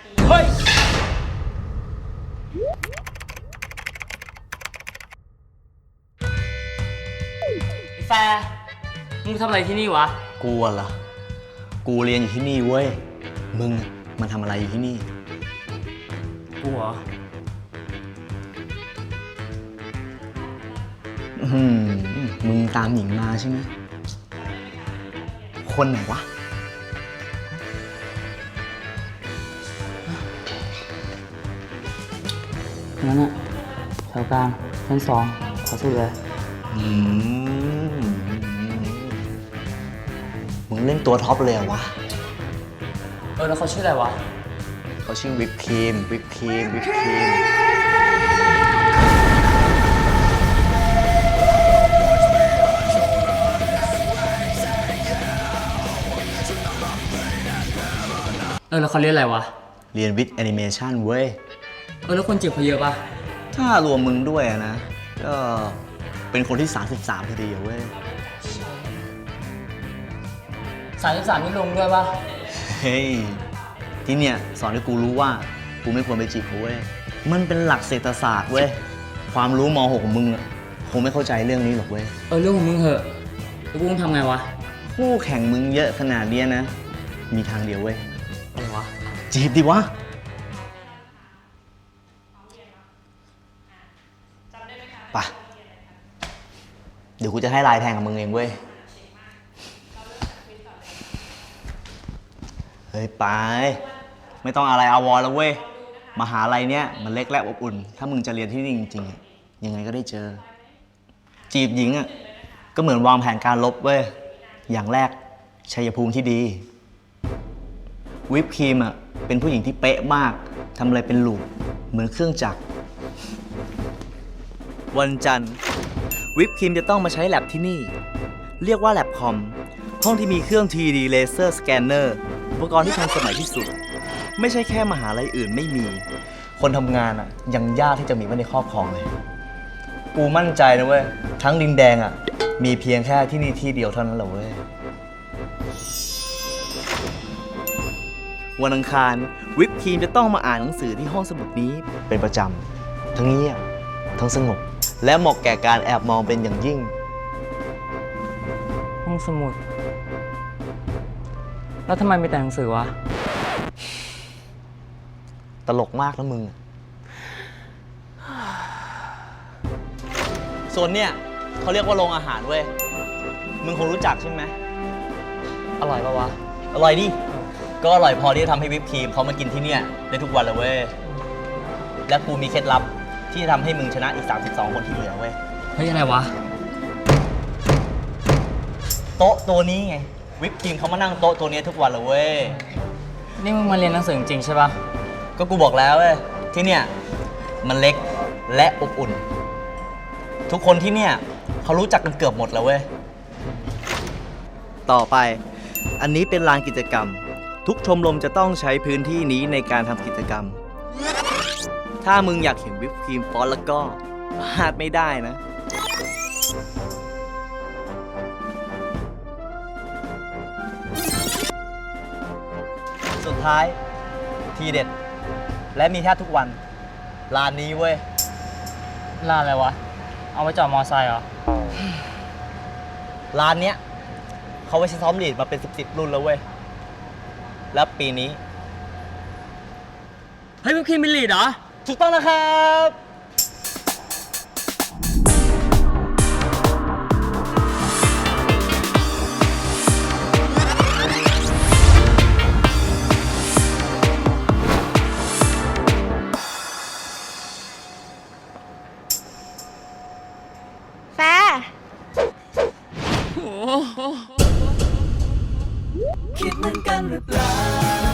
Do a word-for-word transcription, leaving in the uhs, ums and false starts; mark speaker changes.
Speaker 1: เฮ้ยไอ้แฟร์มึงทำอะไรที่นี่วะ
Speaker 2: กูเหรอกูเรียนอยู่ที่นี่เว้ยมึงมาทำอะไรอยู่ที่นี่
Speaker 1: กูเหรอ
Speaker 2: อืมมึงตามหญิงมาใช่ไหมคนไหนวะ
Speaker 1: นั่นอะแถวกลางชั้นสองขอสุดเลย
Speaker 2: อืมมึงเล่นตัวท็อปเลยเหรอวะ
Speaker 1: เออแล้วเขาชื่ออะไรวะ
Speaker 2: เขาชื่อวิปครีมวิปครีมวิปครีม
Speaker 1: เออแล้วเขาเรียนอะไรวะ
Speaker 2: เรียนวิทย์แอนิเมชันเว้ย
Speaker 1: เออแล้วคนจีบเขาเยอะปะ
Speaker 2: ถ้ารวมมึงด้วยนะก็เป็นคนที่สามสิบสามพอดีเว้ย
Speaker 1: สามสิบสามนี่ลงด้วยปะ
Speaker 2: เฮ้ยที่เนี่ยสอนให้กูรู้ว่ากูไม่ควรไปจีบเขาเว้ยมันเป็นหลักเศรษฐศาสตร์เว้ยความรู้ม หก ของมึงคงไม่เข้าใจเรื่องนี้หรอกเว้ย
Speaker 1: เออเรื่องของมึงเหอะแล้วกูต้องทำไงวะ
Speaker 2: คู่แข่งมึงเยอะขนาดนี้นะมีทางเดียวเว้ย
Speaker 1: อะไรวะ
Speaker 2: จีบดิวะไปเดี๋ยวกูจะให้ลายแทงกับมึงเองเว้ยเฮ้ยไปไม่ต้องอะไรอาวรแล้วเว้ยมหาลัยเนี้ยมันเล็กและอบอุ่นถ้ามึงจะเรียนที่นี่จริงๆยังไงก็ได้เจอจีบหญิงอ่ะก็เหมือนวางแผนการลบเว้ยอย่างแรกชัยภูมิที่ดีวิปครีมอ่ะเป็นผู้หญิงที่เป๊ะมากทำอะไรเป็นลูปเหมือนเครื่องจักรวันจันทร์วิปครีมจะต้องมาใช้แลบที่นี่เรียกว่าแลบคอมห้องที่มีเครื่อง ทรี ดี Laser Scanner อุปกรณ์ที่ทันสมัยที่สุดไม่ใช่แค่มหาลัยอื่นไม่มีคนทำงานอ่ะยังยากที่จะมีไว้ในครอบครองเลยกูมั่นใจนะเว้ยทั้งดินแดงอ่ะมีเพียงแค่ที่นี่ที่เดียวเท่านั้นแหละเว้ยวันอังคารวิปครีมจะต้องมาอ่านหนังสือที่ห้องสมุดนี้เป็นประจำทั้งเงียบทั้งสงบและเหมาะแก่การแอบมองเป็นอย่างยิ่ง
Speaker 1: ห้องสมุดแล้วทำไมมีแต่หนังสือวะ
Speaker 2: ตลกมากนะมึงส่วนเนี่ยเขาเรียกว่าโรงอาหารเว้ยมึงคงรู้จักใช่ไหม
Speaker 1: อร่อยปะวะ
Speaker 2: อร่อยดิก็อร่อยพอที่จะทำให้วิปครีมเขามากินที่เนี่ยได้ทุกวันเลยเว้ยและกูมีเคล็ดลับที่จะทำให้มึงชนะอีกสามสิบสองคนที่เหลือเว้ย
Speaker 1: เฮ้ยอะไรวะ
Speaker 2: โต๊ะตัวนี้ไงวิปครีมเขามานั่งโต๊ะตัวนี้ทุกวันเลยเว้ย
Speaker 1: นี่มึงมาเรียนหนังสือจริงใช่ปะ
Speaker 2: ก็กูบอกแล้วเว้ยที่เนี่ยมันเล็กและอบอุ่นทุกคนที่เนี่ยเขารู้จักกันเกือบหมดแล้วเว้ยต่อไปอันนี้เป็นลานกิจกรรมทุกชมรมจะต้องใช้พื้นที่นี้ในการทำกิจกรรมถ้ามึงอยากเห็นวิปครีมฟอนต์แล้วก็พลาดไม่ได้นะสุดท้ายทีเด็ดและมีแทบทุกวันร้านนี้เว้ย
Speaker 1: ร้านอะไรวะเอาไว้จอดมอไซค์เหรอ
Speaker 2: ร้านเนี้ยเขาไว้ใช้ซ้อมลีดมาเป็นสิบสิบรุ่นแล้วเว้ยแล้วปีนี้
Speaker 1: เฮ้ยวิปครีมเป็นลีดเหรอ
Speaker 2: ถูกต้องนะครับ
Speaker 3: แฟร์
Speaker 4: คิดเหมือนกันหรือเปล่า